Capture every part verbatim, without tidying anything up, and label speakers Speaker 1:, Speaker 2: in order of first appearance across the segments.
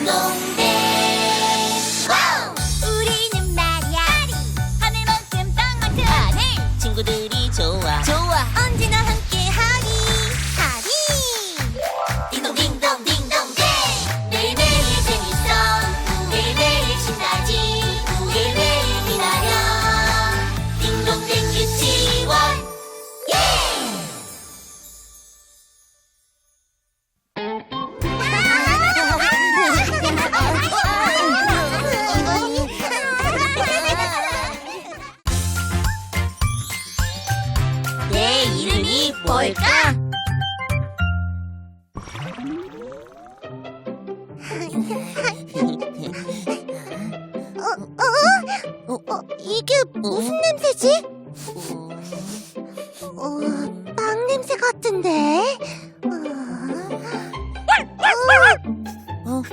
Speaker 1: 딩동댕. 와우! 우리는 말이야 하늘만큼 땅만큼 하늘 친구들이 좋아 좋아 언제나 함께하니 하니 딩동딩동 딩동댕. 매일매일 재밌어 매일매일 신나지 매일매일 기다려 딩동댕 유치원. 예! 내 이름이 뭘까? 어, 어? 어, 이게 무슨 냄새지? 어, 빵 냄새 같은데? 어,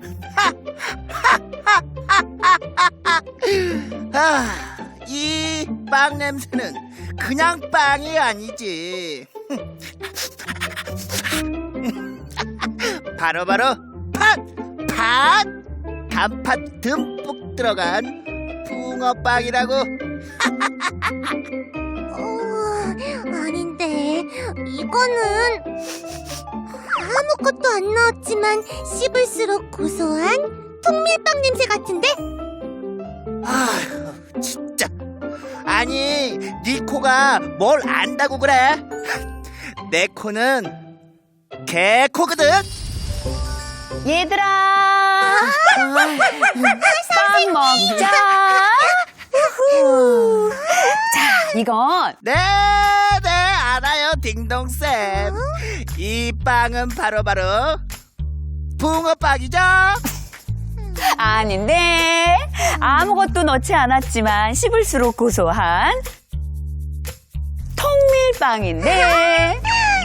Speaker 2: 아, 이 빵 냄새는 그냥 빵이 아니지. 바로바로 팥! 팥! 단팥 듬뿍 들어간 붕어빵이라고.
Speaker 1: 어, 아닌데 이거는 아무것도 안 넣었지만 씹을수록 고소한 통밀빵 냄새 같은데?
Speaker 2: 아휴, 진짜. 아니, 네 코가 뭘 안다고 그래? 내 코는 개코거든.
Speaker 3: 얘들아, 빵 먹자. 자, 이건
Speaker 2: 네, 네, 알아요, 딩동쌤. 이 빵은 바로바로 붕어빵이죠?
Speaker 3: 아닌데 아무것도 넣지 않았지만 씹을수록 고소한 통밀빵인데.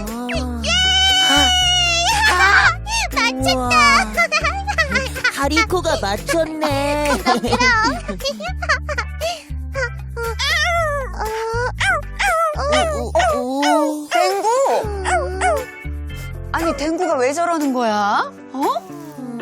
Speaker 1: 맞췄다.
Speaker 4: 하리코가 맞췄네. 오,
Speaker 3: 댕구, 아니 댕구가 왜 저러는 거야? 어?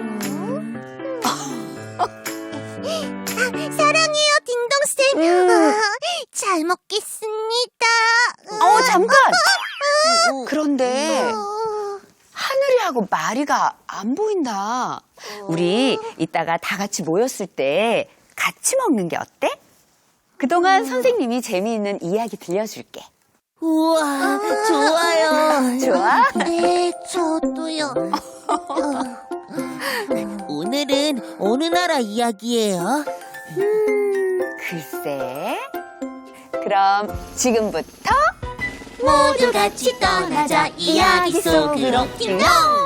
Speaker 1: 사랑해요, 딩동쌤. 아, 잘 먹겠습니다.
Speaker 3: 어, 잠깐.
Speaker 4: 오,
Speaker 3: 그런데
Speaker 1: 어,
Speaker 3: 하늘이하고 마리가 안 보인다. 우리 이따가 다 같이 모였을 때 같이 먹는 게 어때? 그동안 선생님이 재미있는 이야기 들려줄게.
Speaker 4: 우와, 좋아요.
Speaker 3: 좋아?
Speaker 1: 네, 저도요.
Speaker 4: 오늘은 어느 나라 이야기예요?
Speaker 3: 글쎄. 그럼 지금부터
Speaker 1: 모두 같이 떠나자 이야기 속으로 딩동.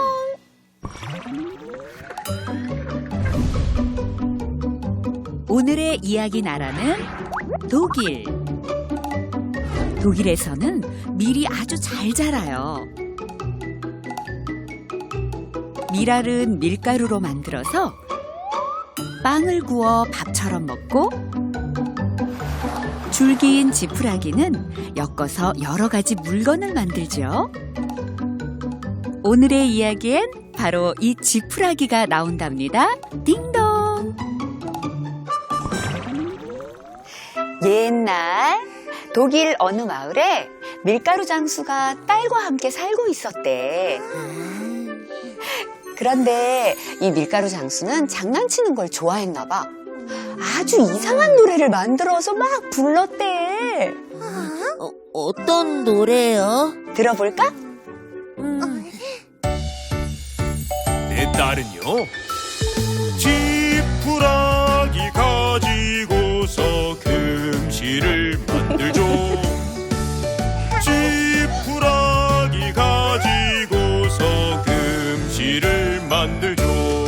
Speaker 5: 오늘의 이야기 나라는 독일. 독일에서는 밀이 아주 잘 자라요. 밀알은 밀가루로 만들어서 빵을 구워 밥처럼 먹고, 줄기인 지푸라기는 엮어서 여러 가지 물건을 만들죠. 오늘의 이야기엔 바로 이 지푸라기가 나온답니다. 딩동!
Speaker 3: 옛날 독일 어느 마을에 밀가루 장수가 딸과 함께 살고 있었대. 그런데 이 밀가루 장수는 장난치는 걸 좋아했나 봐. 아주 이상한 노래를 만들어서 막 불렀대.
Speaker 4: 어, 어떤 노래요?
Speaker 3: 들어볼까?
Speaker 4: 음,
Speaker 6: 내 딸은요 지푸라기 가지고서 금실을 만들죠. 지푸라기 가지고서 금실을 만들죠.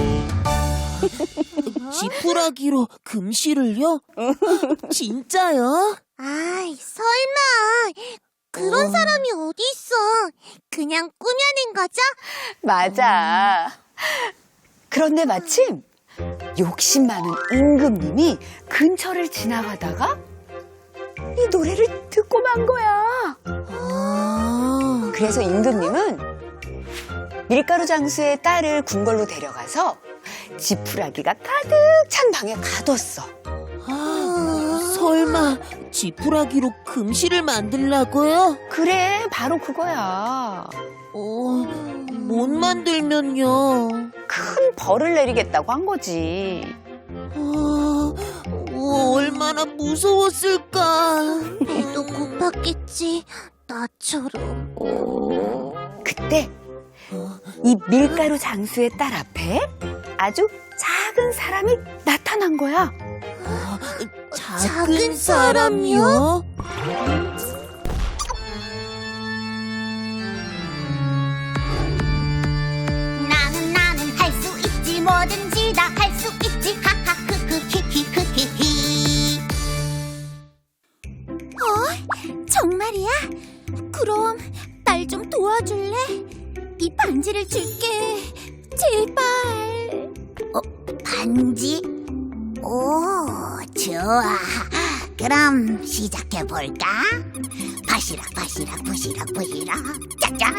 Speaker 4: 지푸라기로 금실을요? 진짜요?
Speaker 1: 아이, 설마. 그런
Speaker 4: 어.
Speaker 1: 사람이 어디 있어. 그냥 꾸며낸 거죠?
Speaker 3: 맞아. 그런데 마침 욕심 많은 임금님이 근처를 지나가다가 이 노래를 듣고 만 거야.
Speaker 4: 아,
Speaker 3: 그래서 임금님은 밀가루 장수의 딸을 궁궐로 데려가서 지푸라기가 가득 찬 방에 가뒀어.
Speaker 4: 아, 설마 지푸라기로 금실을 만들라고요?
Speaker 3: 그래, 바로 그거야.
Speaker 4: 어, 못 만들면요.
Speaker 3: 큰 벌을 내리겠다고 한 거지.
Speaker 4: 아, 어, 얼마나 무서웠을까.
Speaker 1: 또 고팠겠지. 나처럼.
Speaker 3: 그때 이 밀가루 장수의 딸 앞에 아주 작은 사람이 나타난 거야.
Speaker 4: 작은,
Speaker 1: 작은
Speaker 4: 사람이요?
Speaker 1: 나는 나는 할 수 있지. 뭐든지 다 할 수 있지. 하하 크크 히히 크히히. 어? 정말이야? 그럼 날 좀 도와줄래? 이 반지를 줄게. 제발. 어, 반지? 오, 좋아. 그럼 시작해볼까? 바시락 바시락 부시락 부시락 짜잔.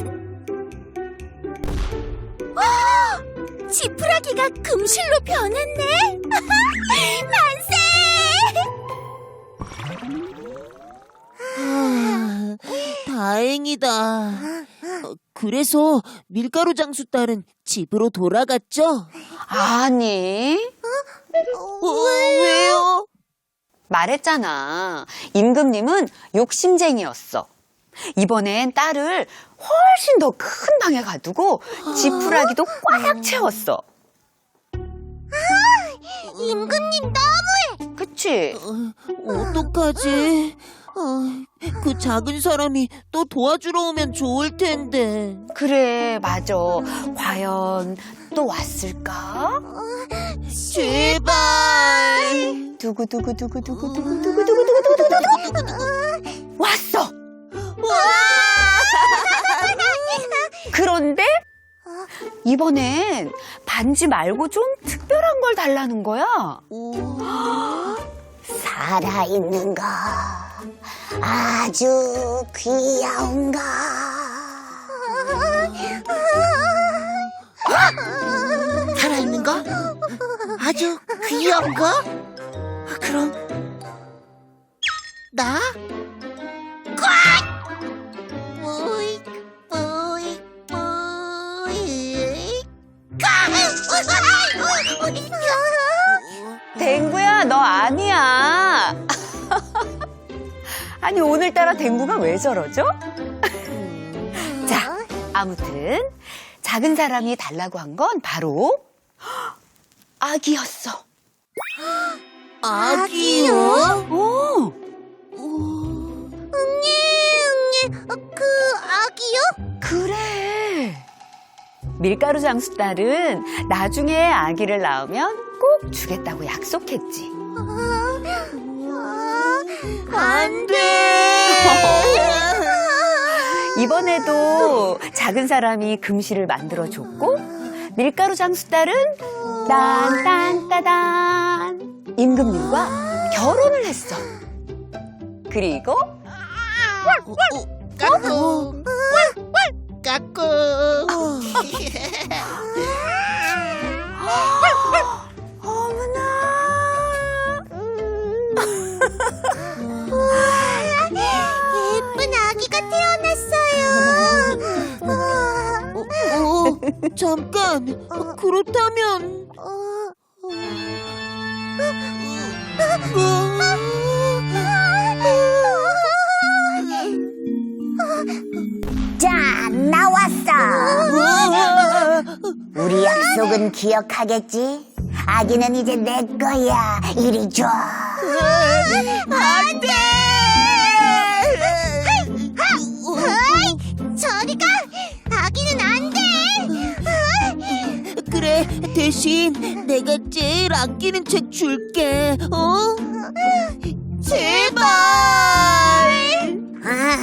Speaker 1: 어, 지푸라기가 금실로 변했네. 만세.
Speaker 4: 아, 다행이다. 어, 그래서 밀가루 장수 딸은 집으로 돌아갔죠?
Speaker 3: 아니,
Speaker 4: 어, 왜요?
Speaker 3: 말했잖아. 임금님은 욕심쟁이였어. 이번엔 딸을 훨씬 더 큰 방에 가두고 지푸라기도 꽉 채웠어.
Speaker 1: 임금님 너무해.
Speaker 3: 그치?
Speaker 4: 어, 어떡하지? 아, 그 작은 사람이 또 도와주러 오면 좋을 텐데.
Speaker 3: 그래, 맞아. 과연 또 왔을까?
Speaker 4: 제발.
Speaker 3: 두구두구두구두구두구두구두구두구두구두구두구 왔어. 그런데 이번엔 반지 말고 좀 특별한 걸 달라는 거야.
Speaker 1: 살아있는 거 아주 귀여운 거.
Speaker 2: 살아있는 거? 아주 귀여운 거? 그럼 나?
Speaker 1: 뿌이 뿌이 뿌이.
Speaker 3: 댕구야, 너 아니야. 아니, 오늘따라 댕구가 왜 저러죠? 자, 아무튼 작은 사람이 달라고 한 건 바로 아기였어.
Speaker 4: 아기요?
Speaker 3: 오,
Speaker 1: 응애 응애. 어, 그 아기요?
Speaker 3: 그래. 밀가루 장수 딸은 나중에 아기를 낳으면 꼭 주겠다고 약속했지.
Speaker 4: 안 돼!
Speaker 3: 이번에도 작은 사람이 금실을 만들어줬고 밀가루 장수 딸은 딴딴따단 임금님과 결혼을 했어. 그리고
Speaker 2: 까꿍 까꿍.
Speaker 1: 예쁜 아기가 태어났어요.
Speaker 4: 어, 잠깐. 어, 그렇다면.
Speaker 1: 짠, 나왔어. 우리 약속은 기억하겠지? 아기는 이제 내 거야. 이리 줘. 안 돼! 저리 가! 아기는 안 돼!
Speaker 4: 그래, 대신 내가 제일 아끼는 책 줄게. 어? 제발!
Speaker 1: 아,